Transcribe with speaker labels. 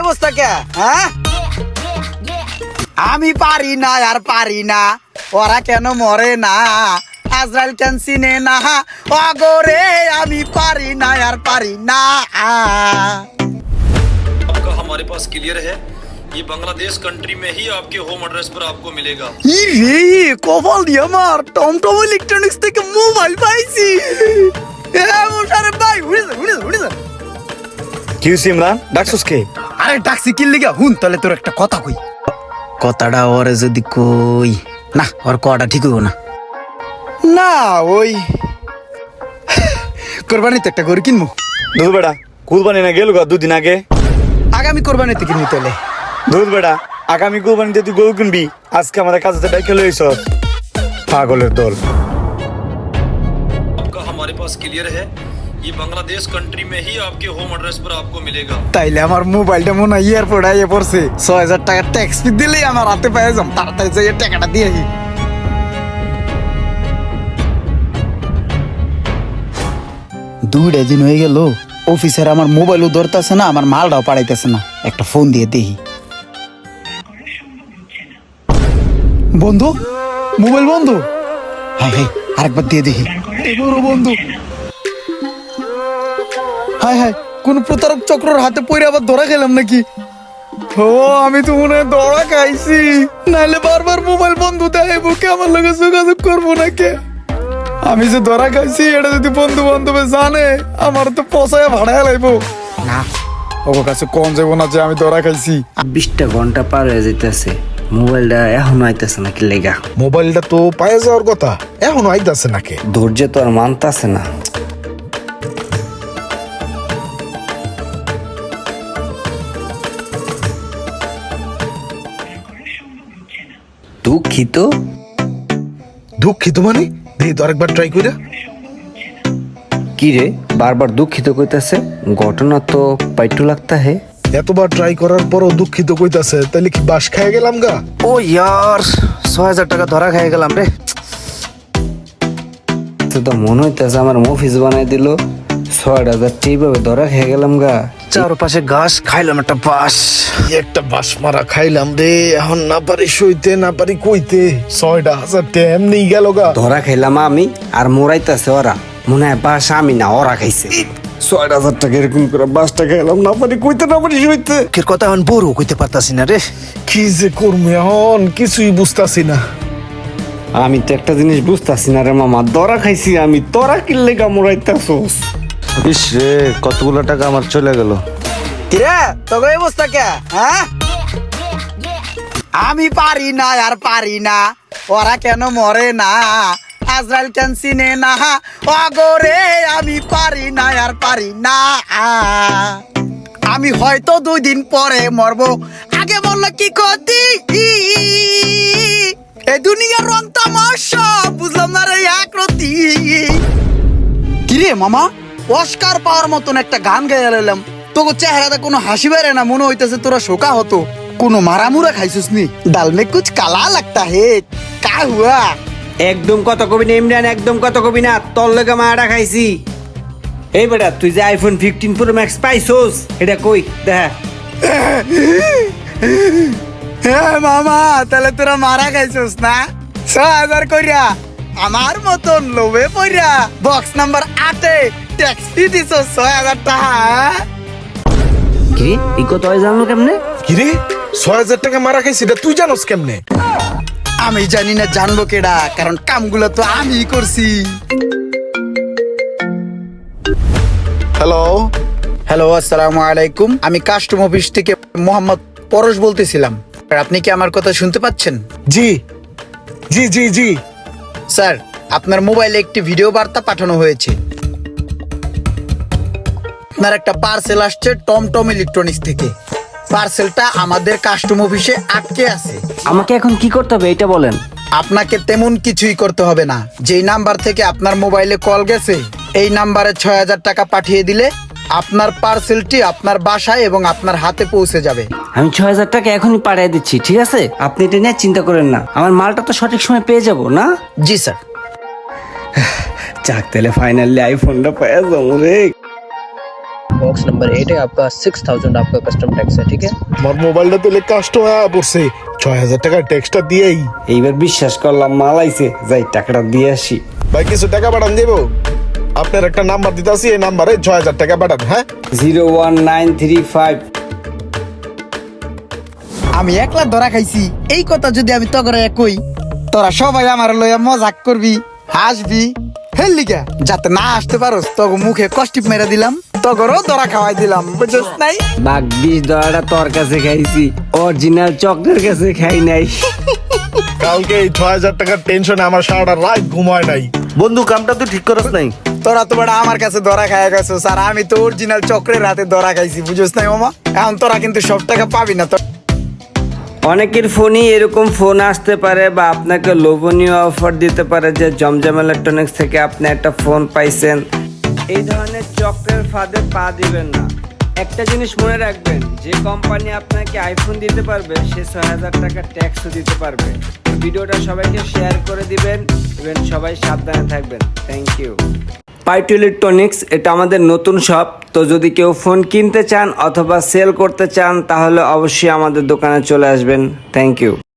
Speaker 1: অবস্থা কে? হ্যাঁ, আমি পারি না আর পারি না, ওরা কেন মরে না, আজরাইল কেন চিনে না, অগরে আমি পারি না আর পারি না।
Speaker 2: आपका हमारे पास क्लियर है, ये बांग्लादेश कंट्री में ही आपके होम एड्रेस पर आपको मिलेगा।
Speaker 1: রে কপাল দিয়ে আমার টমটম ইলেকট্রনিক্স থেকে মোবাইল পাইছি। মোশারফ ভাই উড়ে যা।
Speaker 3: কি হইছে ইমরান, ডাকছস কে?
Speaker 1: আরে ট্যাক্সি কিল লিগা হুন, তাহলে তোর একটা কথা কই। কথাটা ওরে যদি কই না, ওর কটা ঠিক হইব না। না ওই কোরবানিতে একটা গরু কিনবো।
Speaker 3: দুধ বেটা, কুরবানি না গেল গা দুদিন আগে।
Speaker 1: আগামী কোরবানিতে কিনবি তাহলে।
Speaker 3: দুধ বেটা, আগামী কুরবানিতে তুই গরু কিনবি, আজকে আমাদের কাছে ডাইকে লইছ পাগলের দল।
Speaker 2: आपका हमारे पास क्लियर है, ये बांग्लादेश कंट्री में ही आपके होम एड्रेस पर आपको मिलेगा।
Speaker 1: তাইলে আমার মোবাইলটা মনে হয় এয়ারপোর্ট আইয়ে পড়ছে, ৬,০০০ টাকা ট্যাক্স ফি দিলেই আমার হাতে পেয়ে যাম, তাড়াতাড়ি যাই টাকাটা দিয়ে আসি। দুইটা দিন হয়ে গেল, অফিসের আমার মোবাইলও ধরতেছে না, আমার মালটাও পাঠাইতেছে না, একটা ফোন দিয়ে দেখি। বন্ধু, মোবাইল বন্ধু। হাই হাই, আরেকবার দিয়ে দেখি। এবারও বন্ধু। হাই হাই, কোন প্রতারক চক্রের হাতে পড়ে আবার ধরা খেলাম নাকি? ও আমি তো মনে হয় ধরা খাইছি, নাহলে বারবার মোবাইল বন্ধু দেখাইব, কে আমার লগে যোগাযোগ করবো নাকি? আমি যে ধরা খাইছি এটা যদি বন্ধু বান্ধবে জানে, আমার তো পচায় ভাড়ায় লাইবো না। ওর কাছে কোন যাবো না যে আমি ধরা খাইছি।
Speaker 4: 20টা ঘন্টা পার হয়ে যাইতেছে, মোবাইলটা এখনো আইতেছে না কি লেগা?
Speaker 5: মোবাইলটা তো পায়ে যাওয়ার কথা, এখনো আইতাছে নাকি?
Speaker 4: ধৈর্য তো আর মানতাছে না। দুঃখিত।
Speaker 5: দুঃখিত মানে দেখি তো আরেকবার ট্রাই কইরা।
Speaker 4: কি রে বারবার দুঃখিত কইতাছে? ঘটনা তো পাইটু লাগতা হে।
Speaker 5: এতবার ট্রাই করার পরও দুঃখিত কইতাছে, তাহলে কি বাস খেয়ে গেলাম গা?
Speaker 1: ও ইয়ার, ৬,০০০ টাকা ধরা খেয়ে গেলাম রে।
Speaker 4: তো মনে হইতেছে আমার অফিস বানাই দিল, ৬,০০০ এইভাবে ধরা খেয়ে গেলাম গা।
Speaker 1: চারপাশে ঘাস খাইলাম একটা বাস।
Speaker 5: একটা বাস মারা খাইলাম রে, এখন না পারি সইতে না পারি কইতে, ৬,০০০ টাকা এমনি গেল গা।
Speaker 4: ধরা খাইলাম আমি আর মোরাইতেছে ওরা, মনে হয় বাস আমি না ওরা খাইছে। ৬,০০০ টাকা এরকম করে বাসটা খাইলাম, না পারি কইতে না পারি সইতে।
Speaker 1: কের কথা এখন বড় কইতে পারতাছি না রে।
Speaker 5: কি যে করবো এখন কিছুই বুঝতাছি না।
Speaker 4: আমি তো একটা জিনিস বুঝতাছি না রে মামা, ধরা খাইছি আমি, তোরা কিনলে গা মোরাইতেছস।
Speaker 3: ইস রে, কতগুলো টাকা আমার চলে গেল।
Speaker 1: কিরে তোর এই অবস্থা কে? হ্যাঁ, আমি পারি না আর পারি না, ওরা কেন মরে না, আজরাইল কেন চিনে না, অগরে আমি পারি না আর পারি না। আমি হয়তো 2 দিন পরে মরবো, আগে বললো কি ক্ষতি, এই দুনিয়ার রং তামাশা বুঝলাম না রে একরতি। কিরে মামা, অস্কার পাওয়ার মতন একটা গান গাইয়া লাইলাম, তোকে চেহারাতে কোনো হাসি বেড়ে না, মনে হইতেছে তোরা শোকা হতো। কোনো মারামুরা খাইছিস নি? ডাল মে কুছ কালা লাগতা হে, কা হুয়া?
Speaker 4: একদম কথা কবি না ইমরান, একদম কথা কবি না, তোর লগে মারা খাইছি। এই বেটা তুই যে আইফোন 15 প্রো ম্যাক্স পাইছস, এটা কই দেখা।
Speaker 1: হ্যাঁ মামা, তাহলে তোরা মারা খাইছিস না? ৬,০০০ কইরা আমার মতন লোভে পইরা বক্স নাম্বার 8-এ ট্যাক্সি দিছ ৬,০০০ টাকা।
Speaker 4: কি এই কথা জানলো কেমনে?
Speaker 5: কিরে ৬,০০০ টাকা মারা খাইছি, এটা তুই জানোস কেমনে?
Speaker 1: আমি জানি না, জানবো কেডা, কারণ কামগুলো তো আমি করছি।
Speaker 5: হ্যালো
Speaker 1: হ্যালো, আসসালামু আলাইকুম, আমি কাস্টম অফিস থেকে মোহাম্মদ পরশ বলতেছিলাম। আপনি কি আমার কথা শুনতে পাচ্ছেন?
Speaker 5: জি জি জি জি।
Speaker 1: স্যার, আপনার মোবাইলে একটি ভিডিও বার্তা পাঠানো হয়েছে। আপনার একটা পার্সেল আসছে টমটম ইলেকট্রনিক্স থেকে। পার্সেলটা আমাদের কাস্টম অফিসে আটকে আছে।
Speaker 4: আমাকে এখন কি করতে হবে এটা বলেন।
Speaker 1: আপনাকে তেমন কিছুই করতে হবে না, যেই নাম্বার থেকে আপনার মোবাইলে কল গেছে এই নাম্বারে ৬,০০০ টাকা পাঠিয়ে দিলে আপনার পার্সেলটি আপনার বাসায় এবং আপনার হাতে পৌঁছে যাবে।
Speaker 4: আমি ৬,০০০ টাকা এখনই পাঠিয়ে দিচ্ছি, ঠিক আছে? আপনি এটা নিয়ে চিন্তা করেন না, আমার মালটা তো সঠিক সময় পেয়ে যাব না?
Speaker 1: জি স্যার।
Speaker 4: যাক তাহলে ফাইনালি আইফোনটা পেয়ে যাবো রে।
Speaker 6: बॉक्स नंबर 8 है आपका 6000 आपका कस्टम टैक्स है ठीक है।
Speaker 5: আমার মোবাইলটা দিলে কাস্টমার পড়ছে 6000 টাকা ট্যাক্সটা দিয়েই।
Speaker 4: এইবার বিশ্বাস করলাম মাল আইছে, যাই টাকাটা দিয়ে আসি।
Speaker 5: ভাই কিছু টাকা পাঠান দেবো? আপনার একটা নাম্বার দিতেছি, এই নাম্বারে 6000 টাকা পাঠান। হ্যাঁ
Speaker 4: 01935।
Speaker 1: আমি একলা ধরা খাইছি, এই কথা যদি আমি তগরে কই, তোরা সবাই আমার লইয়া মজাক করবি, হাসবি। হেলিকা যাতে না আসতে পারোস, তগো মুখে কষ্টিপ মেরে দিলাম, তগরও ধরা খাওয়াই দিলাম, বুঝছিস নাই?
Speaker 4: বাঘ 20 ডলারটা তোর কাছে খাইছি, অরিজিনাল চকলের কাছে খাই নাই।
Speaker 5: কালকে এই 6000 টাকার টেনশনে আমার সারাটা রাত ঘুম হয় নাই।
Speaker 7: বন্ধু কামটা তুই ঠিক করস নাই।
Speaker 1: তোরা তো বড় আমার কাছে ধরা খাইয়া গেছিস, আর আমি তো অরিজিনাল চক্রের হাতে ধরা খাইছি, বুঝছিস নাই মামা? এখন তোরা কিন্তু সব টাকা পাবি না।
Speaker 4: অনেকের ফোনই এরকম ফোন আসতে পারে বা আপনাকে লোভনীয় অফার দিতে পারে যে জমজম ইলেকট্রনিক্স থেকে আপনি একটা ফোন পাইছেন। এই ধরনের চক্রের ফাঁদে পা দিবেন না। একটা জিনিস মনে রাখবেন, যে কোম্পানি আপনাকে আইফোন দিতে পারবে সে 6000 টাকা ট্যাক্সও দিতে পারবে। ভিডিওটা সবাইকে শেয়ার করে দিবেন এবং সবাই সাবধানে থাকবেন। Thank you. পাইটু ইলেকট্রনিক্স এটা আমাদের নতুন শপ, তো যদি কেউ ফোন কিনতে চান অথবা সেল করতে চান তাহলে অবশ্যই আমাদের দোকানে চলে আসবেন। Thank you.